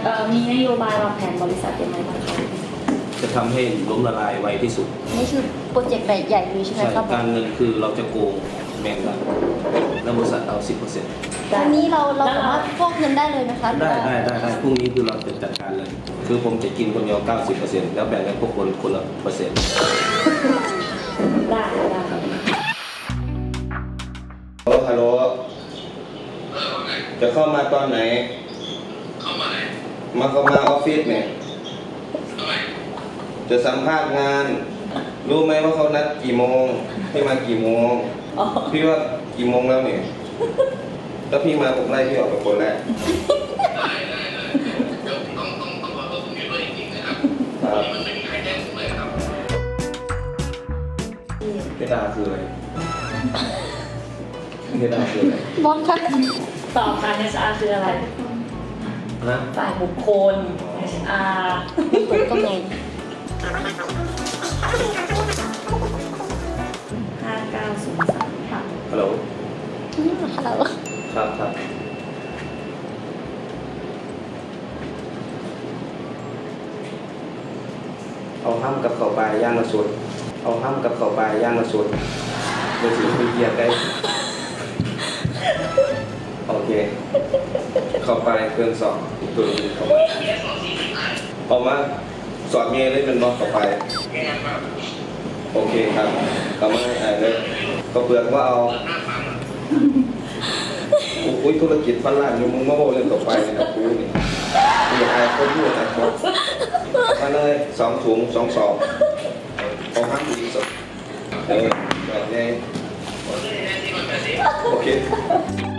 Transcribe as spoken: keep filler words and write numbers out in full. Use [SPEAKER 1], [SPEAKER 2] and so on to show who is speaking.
[SPEAKER 1] เอ่อมีนโยบายวางแผนบริษัทยังไงบ้างคะ
[SPEAKER 2] จะทำให้ล้มละลายไวที่สุด
[SPEAKER 3] นี่คือโปรเจกต์ใหญ่ๆเลยใช่ไหม
[SPEAKER 2] ใช่
[SPEAKER 3] ครับ
[SPEAKER 2] การเงินคือเราจะโกงแมงกันแล้วบริษัทเอา สิบเปอร์เซ็นต์
[SPEAKER 3] อันนี้เราเราสามารถฟอกเงินได้เลยไหมคะ
[SPEAKER 2] ได้ได้ได้ได้พรุ่งนี้คือเราจะจัดการเลย คือผมจะกินคนเดียว เก้าสิบเปอร์เซ็นต์ แล้วแบ่งให้พวกคนคนละเปอร์เซ็นต์
[SPEAKER 1] ได้ได้ครับ
[SPEAKER 2] ฮัลโหลฮัลโหลจะเข้ามาตอนไหน
[SPEAKER 4] เข้ามาไหน
[SPEAKER 2] มาเข้ามาออฟฟิศเนี่ย
[SPEAKER 4] ทำไม
[SPEAKER 2] จะสัมภาษณ์งาน รู้ไหมว่าเขานัดกี่โมงพี่มากี่โมง
[SPEAKER 1] อ๋อ
[SPEAKER 2] พี่ว่ากี่โมงแล้วเนี่ยถ้าพี่มาผมไล่พี่ออกไปคนแรก
[SPEAKER 4] ได้ได้ได้เดี๋ยวต้องต้องต้องขอโทษตรงนี้ด้วยจริงๆนะครับ
[SPEAKER 2] ครับ
[SPEAKER 4] มันไม่มีใครแจ้งผมเลยครับ
[SPEAKER 2] เพดาคืออะไรเพดาคืออะไร
[SPEAKER 3] บอสคะ
[SPEAKER 1] ตอบค่ะ เอช อาร์ คืออะไร
[SPEAKER 2] นะ
[SPEAKER 1] ฝ่ายบุคคล เอช อาร์
[SPEAKER 3] เปิดก็ไง
[SPEAKER 1] ห้าเก้าศูนย์สามค่ะ
[SPEAKER 2] ฮัลโหล
[SPEAKER 3] อืมฮัลโหล
[SPEAKER 2] ครับครับเอาห้ำกับข้าวปลาย่างมาสดเอาห้ำกับข้าวปลาย่างมาสดเดี๋ยวสิคุยเกียร์ได้โอเคเข้าไปเครื่องสอบตัวนี้เข้ามาเอามาสอดเมียเลยเป็นบล็อกเข้าไปโอเคครับเอามาให้อ่านเลยก็เปลือกว่าเอาอุ้ยธุรกิจพันล้านอยู่มึงมาโบเรื่องต่อไปนะครับกูนี่กูอยากอายคนพูดนะครับมาเลยสองถุงสองสอบเอาห้าดีสุดเออแบบนี้โอเค